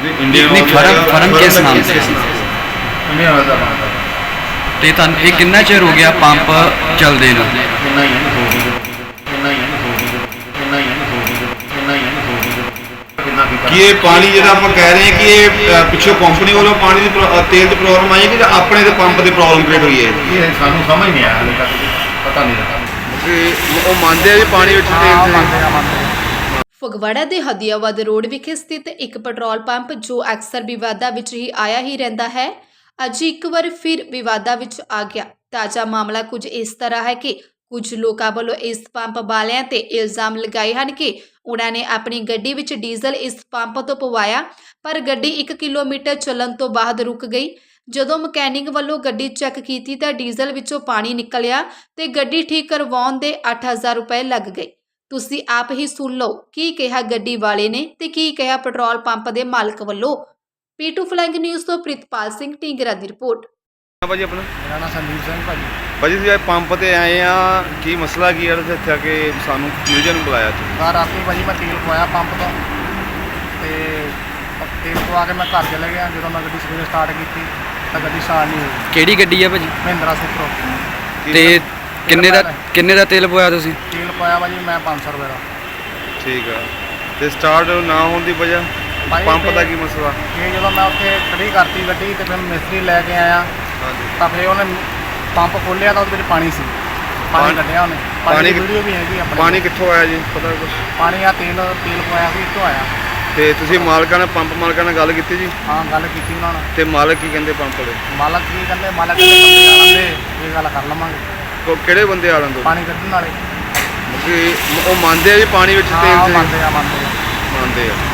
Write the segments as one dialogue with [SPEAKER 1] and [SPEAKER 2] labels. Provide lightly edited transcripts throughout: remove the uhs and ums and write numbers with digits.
[SPEAKER 1] नहीं firm firm किस नाम से
[SPEAKER 2] इंडियन ऑयल का पंप है।
[SPEAKER 1] ਤੇ ਤੁਹਾਨੂੰ ਇਹ ਕਿੰਨਾ ਚਿਰ ਹੋ ਗਿਆ ਪੰਪ ਚੱਲਦੇ ਨੂੰ?
[SPEAKER 2] इन्ना ही है हो गई इन्ना ही है हो गई इन्ना ही है हो गई इन्ना ही है हो गई कितना की
[SPEAKER 3] कि ये पानी ਜਿਹੜਾ ਆਪਾਂ ਕਹਿ ਰਹੇ ਹਾਂ ਕਿ ਇਹ ਪਿੱਛੋਂ ਕੰਪਨੀ ਵੱਲੋਂ ਪਾਣੀ ਦੀ ਤੇਲ ਦੀ ਪ੍ਰੋਬਲਮ ਆਈ ਹੈ ਕਿ ਜਾਂ ਆਪਣੇ ਦੇ ਪੰਪ ਦੀ ਪ੍ਰੋਬਲਮ ਕ੍ਰੀਏਟ ਹੋਈ ਹੈ?
[SPEAKER 2] ये सानू समझ नहीं आया हाले तक पता नहीं लगा।
[SPEAKER 3] ਕਿ ਉਹ ਮੰਨਦੇ ਆ ਵੀ ਪਾਣੀ ਵਿੱਚ ਤੇਲ
[SPEAKER 4] ਫਗਵਾੜਾ ਦੇ ਹਦੀਆਬਾਦ ਰੋਡ ਵਿਖੇ ਸਥਿਤ ਇੱਕ ਪੈਟਰੋਲ ਪੰਪ ਜੋ ਅਕਸਰ ਵਿਵਾਦਾਂ ਵਿੱਚ ਹੀ ਆਇਆ ਹੀ ਰਹਿੰਦਾ ਹੈ, ਅੱਜ ਇੱਕ ਵਾਰ ਫਿਰ ਵਿਵਾਦਾਂ ਵਿੱਚ ਆ ਗਿਆ। ਤਾਜ਼ਾ ਮਾਮਲਾ ਕੁਝ ਇਸ ਤਰ੍ਹਾਂ ਹੈ ਕਿ ਕੁਝ ਲੋਕਾਂ ਵੱਲੋਂ ਇਸ ਪੰਪ ਵਾਲਿਆਂ ਤੇ ਇਲਜ਼ਾਮ ਲਗਾਏ ਹਨ ਕਿ ਉਹਨਾਂ ਨੇ ਆਪਣੀ ਗੱਡੀ ਵਿੱਚ ਡੀਜ਼ਲ ਇਸ ਪੰਪ ਤੋਂ ਪਵਾਇਆ, ਪਰ ਗੱਡੀ 1 ਕਿਲੋਮੀਟਰ ਚੱਲਣ ਤੋਂ ਬਾਅਦ ਰੁਕ ਗਈ। ਜਦੋਂ ਮਕੈਨਿਕ ਵੱਲੋਂ ਗੱਡੀ ਚੈੱਕ ਕੀਤੀ ਤਾਂ ਡੀਜ਼ਲ ਵਿੱਚੋਂ ਪਾਣੀ ਨਿਕਲਿਆ ਤੇ ਗੱਡੀ ਠੀਕ ਕਰਵਾਉਣ ਦੇ 8000 ਰੁਪਏ ਲੱਗ ਗਏ। ਤੁਸੀਂ ਆਪ ਹੀ ਸੁਣ ਲਓ ਕੀ ਕਿਹਾ ਗੱਡੀ ਵਾਲੇ ਨੇ ਤੇ ਕੀ ਕਿਹਾ ਪੈਟਰੋਲ ਪੰਪ ਦੇ ਮਾਲਕ ਵੱਲੋਂ। P2 ਫਲੈਂਗ ਨਿਊਜ਼ ਤੋਂ ਪ੍ਰਿਤਪਾਲ ਸਿੰਘ ਢੀਂਗਰਾ ਦੀ ਰਿਪੋर्ट।
[SPEAKER 3] ਭਾਜੀ ਆਪਣਾ
[SPEAKER 2] मेरा नाम संदीप सिंह भाजी।
[SPEAKER 3] ਭਾਜੀ ਤੁਸੀਂ ਪੰਪ ਤੇ ਆਏ ਆ, ਕੀ ਮਸਲਾ ਕੀ ਹੈ ਇੱਥੇ ਆ ਕੇ ਸਾਨੂੰ ਨਿਊਜ਼ਨ ਨੂੰ ਬੁਲਾਇਆ ਤੁਸੀਂ?
[SPEAKER 2] ਕਾਰ ਰਾਤੀ ਭਾਜੀ ਮੈਂ ਤੇਲ ਪਵਾਇਆ ਪੰਪ ਤੋਂ ਤੇ ਤੇਲ ਪਵਾ ਕੇ ਮੈਂ ਘਰ ਚਲੇ ਗਿਆ। ਜਦੋਂ ਮੈਂ ਗੱਡੀ ਸਵੇਰੇ ਸਟਾਰਟ ਕੀਤੀ ਤਾਂ ਗੱਡੀ ਸਟਾਰਟ ਨਹੀਂ ਹੋਈ।
[SPEAKER 1] ਕਿਹੜੀ ਗੱਡੀ ਆ ਭਾਜੀ?
[SPEAKER 2] ਮਹਿੰਦਰਾ ਸੁਪਰੋ
[SPEAKER 1] ਤੇ ਕਿੰਨੇ ਦਾ ਤੇਲ ਪਵਾਇਆ ਤੁਸੀਂ?
[SPEAKER 2] ਤੇਲ ਪਾਇਆ ਭਾਜੀ ਮੈਂ 500 ਰੁਪਏ ਦਾ।
[SPEAKER 3] ਠੀਕ ਆ, ਤੇ ਸਟਾਰਟ ਨਾ ਹੋਣ ਦੀ ਵਜ੍ਹਾ
[SPEAKER 2] ਭਾਈ
[SPEAKER 3] ਪੰਪ ਦਾ
[SPEAKER 2] ਤੇ
[SPEAKER 3] ਕੀ ਮਸਲਾ?
[SPEAKER 2] ਇਹ ਜਦੋਂ ਮੈਂ ਉੱਥੇ ਖੜੀ ਕਰਤੀ ਗੱਡੀ ਤੇ ਫਿਰ ਮਿਸਤਰੀ ਲੈ ਕੇ ਆਇਆ
[SPEAKER 3] ਹਾਂਜੀ,
[SPEAKER 2] ਤਾਂ ਫਿਰ ਉਹਨੇ ਪੰਪ ਖੋਲ੍ਹਿਆ ਤਾਂ ਉਹਦੇ ਵਿੱਚ ਪਾਣੀ ਸੀ। ਪਾਣੀ ਕੱਢਿਆ ਉਹਨੇ। ਪਾਣੀ ਦੀ ਵੀਡੀਓ ਵੀ ਹੈਗੀ ਆਪਣੇ
[SPEAKER 3] ਪਾਣੀ ਕਿੱਥੋਂ ਆਇਆ ਜੀ, ਪਤਾ ਕੁਛ?
[SPEAKER 2] ਪਾਣੀ ਆ ਤੇਲ ਪਵਾਇਆ ਸੀ ਇੱਥੋਂ ਆਇਆ।
[SPEAKER 3] ਤੇ ਤੁਸੀਂ ਮਾਲਕਾਂ ਨਾਲ ਪੰਪ ਮਾਲਕਾਂ ਨਾਲ ਗੱਲ ਕੀਤੀ ਜੀ?
[SPEAKER 2] ਹਾਂ ਗੱਲ ਕੀਤੀ ਉਹਨਾਂ ਨਾਲ।
[SPEAKER 3] ਤੇ ਮਾਲਕ ਕੀ ਕਹਿੰਦੇ ਪੰਪ ਵਾਲੇ?
[SPEAKER 2] ਮਾਲਕ ਕੀ ਕਹਿੰਦੇ ਬੰਦੇ ਆ ਲੈਂਦੇ ਇਹ ਗੱਲ ਕਰ ਲਵਾਂਗੇ।
[SPEAKER 3] ਕਿਹੜੇ ਬੰਦੇ ਆ ਲੰਦੋ?
[SPEAKER 2] ਪਾਣੀ ਕੱਢਣ ਵਾਲੇ
[SPEAKER 3] ਕਿ ਉਹ ਮੰਨਦੇ ਆ ਵੀ ਪਾਣੀ ਵਿੱਚ
[SPEAKER 2] ਹਾਂ
[SPEAKER 3] ਤੇਲ
[SPEAKER 2] ਮੰਨਦੇ ਆ
[SPEAKER 3] ਮੰਨਦੇ ਆ।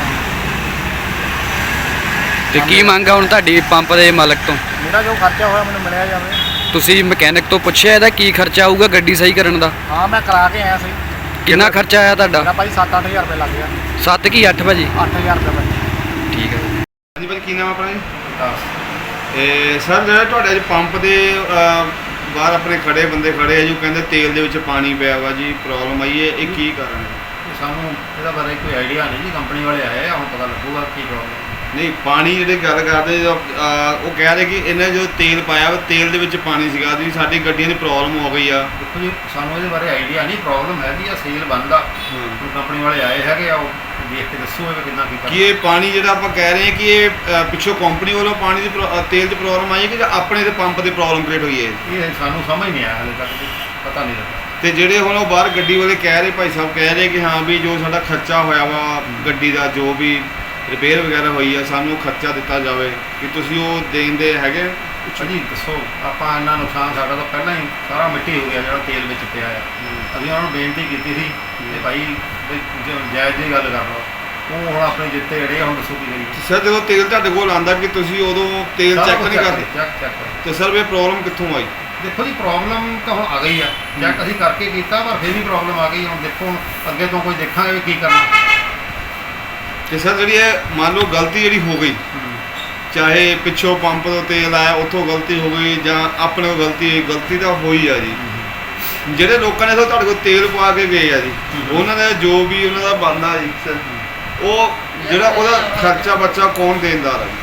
[SPEAKER 1] ਤੇ ਕੀ ਮੰਗ ਆ ਹੁਣ ਤੁਹਾਡੀ ਪੰਪ ਦੇ ਮਾਲਕ ਤੋਂ?
[SPEAKER 2] ਮੇਰਾ ਜੋ ਖਰਚਾ ਹੋਇਆ ਮੈਨੂੰ ਮਿਲਿਆ ਜਾਵੇ।
[SPEAKER 1] ਤੁਸੀਂ ਮਕੈਨਿਕ ਤੋਂ ਪੁੱਛਿਆ ਇਹਦਾ ਕੀ ਖਰਚਾ ਆਊਗਾ ਗੱਡੀ ਸਹੀ ਕਰਨ ਦਾ?
[SPEAKER 2] ਹਾਂ ਮੈਂ ਕਰਾ ਕੇ ਆਇਆ ਸੀ।
[SPEAKER 1] ਕਿੰਨਾ ਖਰਚਾ ਆਇਆ ਤੁਹਾਡਾ?
[SPEAKER 2] ਮੇਰਾ ਭਾਈ 7-8000 ਰੁਪਏ ਲੱਗ ਗਿਆ।
[SPEAKER 1] 7 ਕੀ 8 ਭਾਜੀ?
[SPEAKER 2] 8000 ਰੁਪਏ ਭਾਈ।
[SPEAKER 1] ਠੀਕ ਹੈ।
[SPEAKER 3] ਹਾਂਜੀ ਭਾਜੀ, ਕੀ ਨਾਮ ਆਪਣਾ ਜੀ? ਇਹ ਸਰ ਜਿਹੜਾ ਤੁਹਾਡੇ ਅੱਜ ਪੰਪ ਦੇ ਬਾਹਰ ਆਪਣੇ ਖੜੇ ਬੰਦੇ ਖੜੇ ਆ ਜੀ, ਉਹ ਕਹਿੰਦੇ ਤੇਲ ਦੇ ਵਿੱਚ ਪਾਣੀ ਪਿਆ ਵਾ ਜੀ, ਪ੍ਰੋਬਲਮ ਆਈ ਹੈ, ਇਹ ਕੀ ਕਾਰਨ ਹੈ?
[SPEAKER 2] ਸਾਨੂੰ ਇਹਦਾ ਬਾਰੇ ਕੋਈ ਆਈਡੀਆ ਨਹੀਂ ਜੀ। ਕੰਪਨੀ ਵਾਲੇ ਆਏ ਆ, ਹੁਣ ਪਤਾ ਲੱਗੂਗਾ ਕੀ ਪ੍ਰੋਬਲਮ।
[SPEAKER 3] ਨਹੀਂ, ਪਾਣੀ ਜਿਹੜੇ ਗੱਲ ਕਰਦੇ ਉਹ ਕਹਿ ਰਹੇ ਕਿ ਇਹਨੇ ਜੋ ਤੇਲ ਪਾਇਆ ਵਾ ਤੇਲ ਦੇ ਵਿੱਚ ਪਾਣੀ ਸੀਗਾ ਜੀ, ਸਾਡੀ ਗੱਡੀਆਂ ਦੀ ਪ੍ਰੋਬਲਮ ਹੋ ਗਈ ਆ।
[SPEAKER 2] ਦੇਖੋ ਜੀ ਸਾਨੂੰ ਇਹਦੇ ਬਾਰੇ ਆਈਡੀਆ ਨਹੀਂ। ਪ੍ਰੋਬਲਮ ਹੈਗੀ ਆ, ਸੇਲ ਬੰਦ ਆ। ਹੁਣ ਕੰਪਨੀ ਵਾਲੇ ਆਏ ਹੈਗੇ ਆ, ਉਹ ਦੇਖ ਕੇ ਦੱਸੋ ਇਹ ਕਿੰਨਾ ਕੀ
[SPEAKER 3] ਕਿ ਇਹ ਪਾਣੀ ਜਿਹੜਾ ਆਪਾਂ ਕਹਿ ਰਹੇ ਹਾਂ ਕਿ ਇਹ ਪਿੱਛੋਂ ਕੰਪਨੀ ਵੱਲੋਂ ਪਾਣੀ ਦੀ ਤੇਲ ਦੀ ਪ੍ਰੋਬਲਮ ਆਈ ਹੈ ਕਿ ਜਾਂ ਆਪਣੇ ਦੇ ਪੰਪ ਦੀ ਪ੍ਰੋਬਲਮ ਕ੍ਰੀਏਟ ਹੋਈ ਹੈ?
[SPEAKER 2] ਇਹ ਸਾਨੂੰ ਸਮਝ ਨਹੀਂ ਆਇਆ ਹਾਲੇ ਤੱਕ ਪਤਾ ਨਹੀਂ ਲੱਗਾ।
[SPEAKER 3] ਤੇ ਜਿਹੜੇ ਹੁਣ ਉਹ ਬਾਹਰ ਗੱਡੀ ਵਾਲੇ ਕਹਿ ਰਹੇ, ਭਾਈ ਸਾਹਿਬ ਕਹਿ ਰਹੇ ਕਿ ਹਾਂ ਵੀ ਜੋ ਸਾਡਾ ਖਰਚਾ ਹੋਇਆ ਵਾ ਗੱਡੀ ਦਾ, ਜੋ ਵੀ ਰਿਪੇਅਰ ਵਗੈਰਾ ਹੋਈ ਆ, ਸਾਨੂੰ ਖਰਚਾ ਦਿੱਤਾ ਜਾਵੇ, ਕਿ ਤੁਸੀਂ ਉਹ ਦੇਂਦੇ ਹੈਗੇ?
[SPEAKER 2] ਜੀ ਦੱਸੋ, ਆਪਾਂ ਇੰਨਾ ਨੁਕਸਾਨ ਸਾਡਾ ਤਾਂ ਪਹਿਲਾਂ ਹੀ ਸਾਰਾ ਮਿੱਟੀ ਹੋ ਗਿਆ ਜਿਹੜਾ ਤੇਲ ਵਿੱਚ ਪਿਆ ਆ। ਅਸੀਂ ਉਹਨਾਂ ਨੂੰ ਬੇਨਤੀ ਕੀਤੀ ਸੀ ਕਿ ਭਾਈ ਜਾਇਜ਼ ਦੀ ਗੱਲ ਕਰ ਲਓ। ਉਹ ਹੁਣ ਆਪਣੇ ਜਿੱਤੇ ਅੜੇ, ਹੁਣ ਦੱਸੋ ਕੀ ਕਰੀਏ।
[SPEAKER 3] ਸਰ ਜਦੋਂ ਤੇਲ ਤੁਹਾਡੇ ਕੋਲ ਆਉਂਦਾ ਕਿ ਤੁਸੀਂ ਉਦੋਂ ਤੇਲ ਚੈੱਕ ਨਹੀਂ ਕਰਦੇ?
[SPEAKER 2] ਚੈੱਕ
[SPEAKER 3] ਤੇ ਸਰ ਇਹ ਪ੍ਰੋਬਲਮ ਕਿੱਥੋਂ ਆਈ?
[SPEAKER 2] ਦੇਖੋ ਜੀ ਪ੍ਰੋਬਲਮ ਤਾਂ ਹੁਣ ਆ ਗਈ ਆ। ਚੈੱਕ ਅਸੀਂ ਕਰਕੇ ਕੀਤਾ ਪਰ ਫਿਰ ਵੀ ਪ੍ਰੋਬਲਮ ਆ ਗਈ। ਹੁਣ ਦੇਖੋ ਹੁਣ ਅੱਗੇ ਤੋਂ ਕੋਈ ਦੇਖਾਂਗੇ ਵੀ ਕੀ ਕਰਨਾ।
[SPEAKER 3] ਤੇ ਸਰ ਜਿਹੜੀ ਇਹ ਮੰਨ ਲਓ ਗਲਤੀ ਜਿਹੜੀ ਹੋ ਗਈ, ਚਾਹੇ ਪਿੱਛੋਂ ਪੰਪ ਤੋਂ ਤੇਲ ਆਇਆ ਉੱਥੋਂ ਗਲਤੀ ਹੋ ਗਈ ਜਾਂ ਆਪਣੇ ਕੋਲ ਗਲਤੀ ਤਾਂ ਹੋਈ ਆ ਜੀ। ਜਿਹੜੇ ਲੋਕਾਂ ਨੇ ਤੁਹਾਡੇ ਕੋਲ ਤੇਲ ਪਵਾ ਕੇ ਗਏ ਆ ਜੀ, ਉਹਨਾਂ ਦਾ ਜੋ ਵੀ ਉਹਨਾਂ ਦਾ ਬਣਦਾ ਜੀ ਸਰ, ਉਹ ਜਿਹੜਾ ਉਹਦਾ ਖਰਚਾ ਬੱਚਾ ਕੌਣ ਦੇਣਦਾਰ ਹੈ ਜੀ?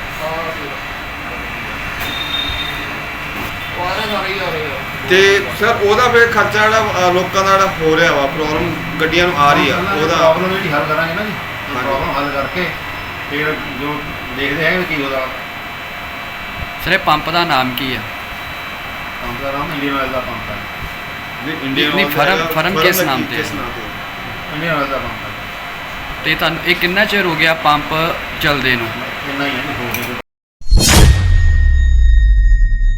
[SPEAKER 3] ਤੇ ਸਰ ਉਹਦਾ ਫਿਰ ਖਰਚਾ ਜਿਹੜਾ ਲੋਕਾਂ ਦਾ ਜਿਹੜਾ ਹੋ ਰਿਹਾ ਵਾ, ਪ੍ਰੋਬਲਮ ਗੱਡੀਆਂ ਨੂੰ ਆ ਰਹੀ ਆ, ਉਹਦਾ
[SPEAKER 2] ਪ੍ਰੋਬਲਮ ਜਿਹੜੀ ਹੱਲ ਕਰਾਂਗੇ ਨਾ ਜੀ। ਪ੍ਰੋਬਲਮ ਹੱਲ ਕਰਕੇ ਫਿਰ ਜੋ ਦੇਖਦੇ ਹੈਗੇ ਕੀ ਉਹਦਾ
[SPEAKER 1] ਸਰ ਇਹ ਪੰਪ ਦਾ ਨਾਮ ਕੀ ਆ?
[SPEAKER 2] ਪੰਪ ਦਾ ਨਾਮ ਇੰਡੀਅਨ ਆਇਲ ਦਾ ਪੰਪ ਹੈ।
[SPEAKER 1] ਨਹੀਂ ਫਰਮ ਕਿਸ ਨਾਮ ਤੇ?
[SPEAKER 2] ਇੰਡੀਅਨ ਆਇਲ ਦਾ ਪੰਪ ਹੈ।
[SPEAKER 1] ਤੇ ਤੁਹਾਨੂੰ ਇਹ ਕਿੰਨਾ ਚਿਰ ਹੋ ਗਿਆ ਪੰਪ ਚੱਲਦੇ ਨੂੰ?
[SPEAKER 2] ਇੰਨਾ ਹੀ ਹੈ ਹੋ ਗਈ।